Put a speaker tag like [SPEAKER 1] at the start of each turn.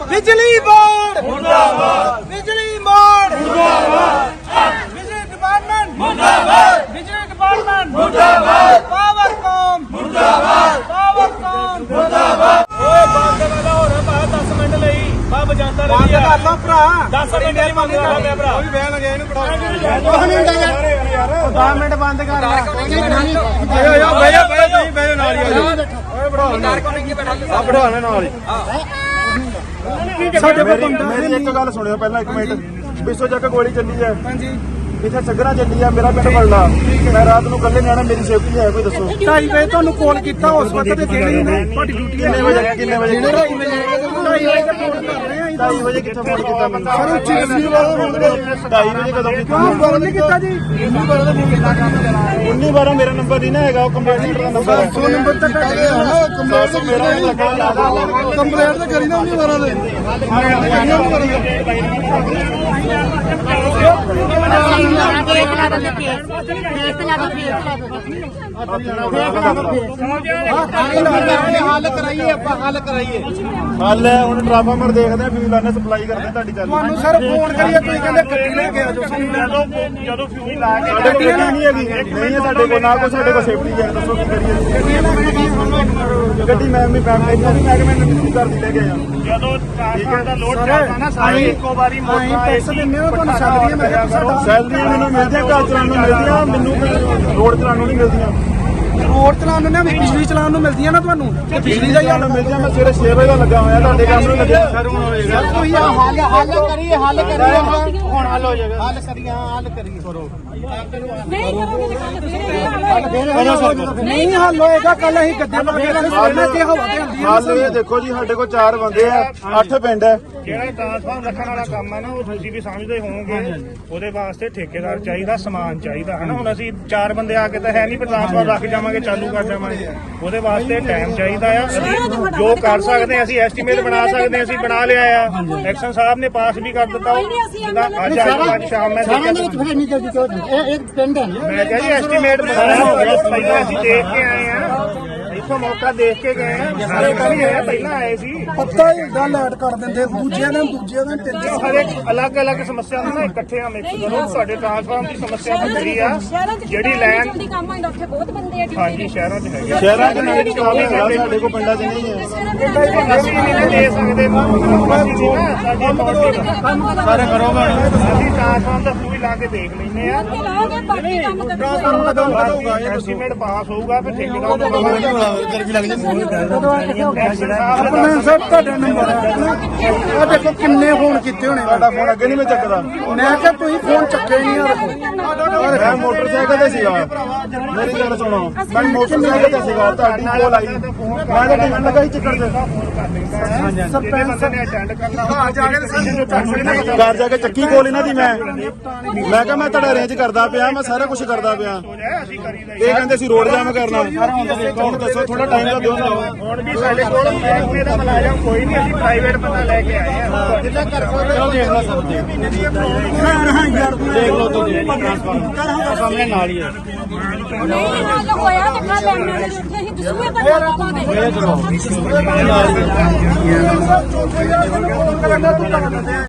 [SPEAKER 1] बिजली बोर्ड मुर्दाबाद, बिजली बोर्ड मुर्दाबाद, बिजली डिपार्टमेंट मुर्दाबाद, बिजली डिपार्टमेंट मुर्दाबाद, पावरकॉम मुर्दाबाद, पावरकॉम मुर्दाबाद। ओए बंद वाला हो रहा है 10 मिनट ਲਈ ਬਾਬ ਜਾਂਦਾ ਰਹੀ ਆ ਬंद कर लो भरा 10 मिनट नहीं बंद कर ले भरा कोई बैन लगे ਇਹਨੂੰ ਪੜਾ ਕੁਝ ਨਹੀਂ ਹੁੰਦਾ ਯਾਰ 10 ਮਿੰਟ ਬੰਦ ਕਰ ਲਾ ਆਇਓ ਬਈਆ ਤੁਸੀਂ ਬਈਓ ਨਾਲ ਹੀ ਆਇਓ ਓਏ ਬੜਾ ਆ ਬੜਾਣਾ ਨਾਲ ਹੀ ਸਾਡੇ ਮੇਰੀ ਇੱਕ ਗੱਲ ਸੁਣਿਓ ਪਹਿਲਾਂ 1 ਮਿੰਟ ਬਿੱਸੋ ਚੱਕ ਗੋਲੀ ਚੱਲੀ ਹੈ ਹਾਂਜੀ ਇੱਥੇ ਸੱਗਰਾ ਚੱਲੀ ਆ ਮੇਰਾ ਪਿੰਡ ਬਲਲਾ ਮੈਂ ਰਾਤ ਨੂੰ ਕੱਲੇ ਨਿਆਣਾ ਮੇਰੀ ਸੇਫਟੀ ਹੈ ਕੋਈ ਦੱਸੋ 2:30 ਵਜੇ ਤੁਹਾਨੂੰ ਕਾਲ ਕੀਤਾ ਉਸ ਵਕਤ ਤੇ ਜਿਹੜੀ ਤੁਹਾਡੀ ਡਿਊਟੀ ਕਿੰਨੇ ਵਜੇ 2:30 ਵਜੇ ਕਿੱਥੇ ਫੋਨ ਕੀਤਾ ਮੈਨੂੰ ਸਰ ਉੱਚੀ ਗੱਡੀ ਵਾਲਾ ਫੋਨ 2:30 ਵਜੇ ਕਦੋਂ ਕੀਤਾ ਫੋਨ ਨਹੀਂ ਕੀਤਾ ਜੀ 1912 ਮੇਰਾ ਨੰਬਰ ਨਹੀਂ ਨਾ ਹੈਗਾ ਉਹ ਕੰਪਲੇਂਟ ਦਾ ਨੰਬਰ 100 ਨੰਬਰ ਤੱਕ ਹੈਗਾ ਨਾ ਕੰਪਲੇਂਟ ਮੇਰਾ ਕੰਪਲੇਂਟ ਤਾਂ ਕਰੀ ਨਾ 1912 ਦੇ हल कराइए हल है हूँ ट्रांसफार्मर देखते हैं फ्यूल आने सप्लाई करते ਤੁਹਾਡੀ ਚੱਲ ਤੁਹਾਨੂੰ ਸਰ ਫੋਨ ਕਰੀਏ ਤੁਸੀਂ ਕਹਿੰਦੇ ਗੱਡੀ ਲੈ ਕੇ ਆ ਜਾਓ ਜਦੋਂ ਫਿਊਲ ਲਾ ਕੇ ਗੱਡੀ ਨਹੀਂ ਹੈਗੀ ਨਹੀਂ ਹੈ ਸਾਡੇ ਕੋਲ ਨਾ ਕੋਈ ਸਾਡੇ ਕੋਲ ਸੇਫਟੀ ਹੈ ਦੱਸੋ ਕੀ ਕਰੀਏ ਗੱਡੀ ਮੈਂ ਵੀ ਫੈਮਿਲੀ ਨੂੰ ਮੈਂ ਕਿਵੇਂ ਕਰਦੀ ਲੈ ਕੇ ਆਇਆ ਜਦੋਂ ਟ੍ਰਾਂਸਫਾਰਮਰ ਦਾ ਲੋਡ ਚੱਲਦਾ ਨਾ ਸਾਰੇ ਇੱਕੋ ਵਾਰੀ ਮੋਟਰ ਪੈਸੇ ਦਿੰਦੇ ਹੋ ਤੁਹਾਨੂੰ ਸੈਲਰੀ ਮੈਂ ਕਿਹਾ ਸੈਲਰੀ ਮੈਨੂੰ ਮਿਲਦੀ ਘਰ ਚਲਾਉਣ ਨੂੰ ਮਿਲਦੀਆਂ ਮੈਨੂੰ ਰੋਡ ਚਲਾਉਣ ਨੂੰ ਨਹੀਂ ਮਿਲਦੀਆਂ ਰੋਡ ਚਲਾਉਣ ਨੂੰ ਨਾ ਬਿਜਲੀ ਚਲਾਉਣ ਨੂੰ ਮਿਲਦੀਆਂ ਨਾ ਤੁਹਾਨੂੰ ਤੇ ਬਿਜਲੀ ਦਾ ਹੀ ਮਿਲਦੀਆਂ ਮੈਂ ਸਵੇਰੇ 6 ਵਜੇ ਦਾ ਲੱਗਾ ਹੋਇਆ ਤੁਹਾਡੇ ਕੰਮ ਨੂੰ ਲੱਗਿਆ ਸਰ ਹੁਣ ਹੋਏਗਾ ਤੁਸੀਂ ਹੱਲ ਕਰੀਏ ਹੁਣ ਹੱਲ ਹੋ ਜਾਏਗਾ ਹੱਲ ਕਰੀਏ ਕਰੋ ਨਹੀਂ ਹੱਲ ਹੋਏਗਾ ਕੱਲ ਅਸੀਂ ਗੱਦੇ ਹੱਲ ਇਹ ਦੇਖੋ ਜੀ ਸਾਡੇ ਕੋਲ 4 ਬੰਦੇ ਆ 8 ਪਿੰਡ ਹੈ ਜਿਹੜਾ ਟ੍ਰਾਂਸਫਾਰਮ ਰੱਖਣ ਵਾਲਾ ਕੰਮ ਹੈ ਨਾ ਉਹ ਤੁਸੀਂ ਵੀ ਸਮਝਦੇ ਹੋਵੋਗੇ ਉਹਦੇ ਵਾਸਤੇ ਠੇਕੇਦਾਰ ਚਾਹੀਦਾ ਸਮਾਨ ਚਾਹੀਦਾ ਹੈ ਨਾ ਹੁਣ ਅਸੀਂ 4 ਬੰਦੇ ਆ ਕੇ ਤਾਂ ਹੈ ਨਹੀਂ ਟ੍ਰਾਂਸਫਾਰਮ ਰੱਖ ਜਾਵਾਂਗੇ ਚਾਲੂ ਕਰ ਜਾਵਾਂਗੇ ਉਹਦੇ ਵਾਸਤੇ ਟਾਈਮ ਚਾਹੀਦਾ ਆ ਅਸੀਂ ਜੋ ਕਰ ਸਕਦੇ ਅਸੀਂ ਐਸਟੀਮੇਟ ਬਣਾ ਸਕਦੇ ਅਸੀਂ ਬਣਾ ਲਿਆ ਆ ਐਕਸ਼ਨ ਸਾਹਿਬ ਨੇ ਪਾਸ ਵੀ ਕਰ ਦਿੱਤਾ ਅੱਜ ਸ਼ਾਮ ਮੈਂ ਮੈਂ ਕਿਹਾ ਜੀ ਐਸਟੀਮੇਟ ਬਣਾਇਆ ਹੋ ਗਿਆ ਪਹਿਲਾਂ ਅਸੀਂ ਦੇਖ ਕੇ ਆਏ ਆ ਇੱਥੋਂ ਮੌਕਾ ਦੇਖ ਕੇ ਗਏ ਆ ਸਾਰੇ ਕਰੀ ਆਏ ਪਹਿਲਾਂ ਆਏ ਸੀ ਪੱਤਾ ਹੀ ਗੱਲ ਐਡ ਕਰ ਦਿੰਦੇ ਦੂਜੇ ਦਿਨ ਹਰੇਕ ਅਲੱਗ ਸਮੱਸਿਆ ਨੂੰ ਨਾ ਇਕੱਠਿਆਂ ਮਿਕਸ ਕਰੋ ਤੁਹਾਡੇ ਟ੍ਰਾਂਸਫਾਰਮ ਦੀ ਸਮੱਸਿਆ ਬੜੀ ਆ ਜਿਹੜੀ ਲੈਣ ਦੀ ਕੰਮ ਆਉਂਦਾ ਉੱਥੇ ਬਹੁਤ ਬੰਦੇ ਆ ਹਾਂਜੀ ਸ਼ਹਿਰਾਂ 'ਚ ਹੈਗੇ ਸ਼ਹਿਰਾਂ 'ਚ ਨਹੀਂ ਕੰਮ ਹੀ ਸਾਡੇ ਕੋਲ ਪਿੰਡਾਂ 'ਚ ਨਹੀਂ ਹੈ ਅਸੀਂ ਨਹੀਂ ਦੇ ਸਕਦੇ ਸਾਰੇ ਕਰੋਗਾ ਅਸੀਂ ਟ੍ਰਾਂਸਫਾਰਮ ਦਾ ਸੂਈ ਲਾ ਕੇ ਦੇਖ ਲੈਂਦੇ ਆ ਐਸਟੀਮੇਟ ਪਾਸ ਹੋਊਗਾ ਫਿਰ ਠੇਕੇਦਾਰ ਨੂੰ ਗਰਮੀ ਲੱਗ ਜਾਂਦੀ ਸਰ ਤੁਹਾਡਾ ਨੰਬਰ ਆ ਦੇਖੋ ਕਿੰਨੇ ਫੋਨ ਕੀਤੇ ਹੋਣੇ ਤੁਹਾਡਾ ਫੋਨ ਅੱਗੇ ਨਹੀਂ ਮੈਂ ਚੱਕਦਾ ਮੈਂ ਕਿਹਾ ਤੁਸੀਂ ਫੋਨ ਚੱਕੇ ਨਹੀਂ ਯਾਰ ਮੈਂ ਮੋਟਰਸਾਈਕਲ ਤੇ ਸੀਗਾ ਮੇਰੀ ਗੱਲ ਸੁਣੋ ਮੈਂ ਮੋਟਰਸਾਈਕਲ ਤੇ ਸੀਗਾ ਤੁਹਾਡੀ ਕੋਲ ਆਈ ਮੈਂ ਤਾਂ ਟਿਕਟ ਲਗਾਈ ਚੱਕਰ ਤੇ ਸਰਪੰਚ ਨੇ ਅਟੈਂਡ ਕਰਨਾ ਘਰ ਜਾ ਕੇ ਚੱਕੀ ਕੋਲ ਇਹਨਾਂ ਦੀ ਮੈਂ ਕਿਹਾ ਮੈਂ ਤੁਹਾਡਾ ਅਰੇਂਜ ਕਰਦਾ ਪਿਆ ਮੈਂ ਸਾਰਾ ਕੁਝ ਕਰਦਾ ਪਿਆ ਇਹ ਕਹਿੰਦੇ ਸੀ ਰੋਡ ਜਾਮ ਕਰਨਾ ਹੁਣ ਦੱਸੋ ਥੋੜਾ ਟਾਈਮ ਦਾ ਦਿਓ ਹੁਣ ਵੀ ਸਾਡੇ ਕੋਲ ਮਹਿਕਮੇ ਦਾ ਮੁਲਾਜ਼ਮ ਕੋਈ ਨਹੀਂ ਅਸੀਂ ਪ੍ਰਾਈਵੇਟ ਬੰਦਾ ਲੈ ਕੇ ਆਏ ਆ ਜਿੱਦਾਂ ਕਰ ਸਕਦੇ ਦੇਖ ਲਓ ਸਭ ਦੇਖ ਲਓ ਤੁਸੀਂ ਟ੍ਰਾਂਸਫਾਰਮਰ ਸਾਹਮਣੇ ਨਾਲ ਹੀ ਹੈ ਨਹੀਂ ਹਾਲ ਹੋਇਆ ਤੇ ਕੱਲ ਲੈਣ ਦੇ ਉੱਥੇ ਹੀ ਦਸੂਏ ਬੰਦਾ ਪਾਵਾਂਗੇ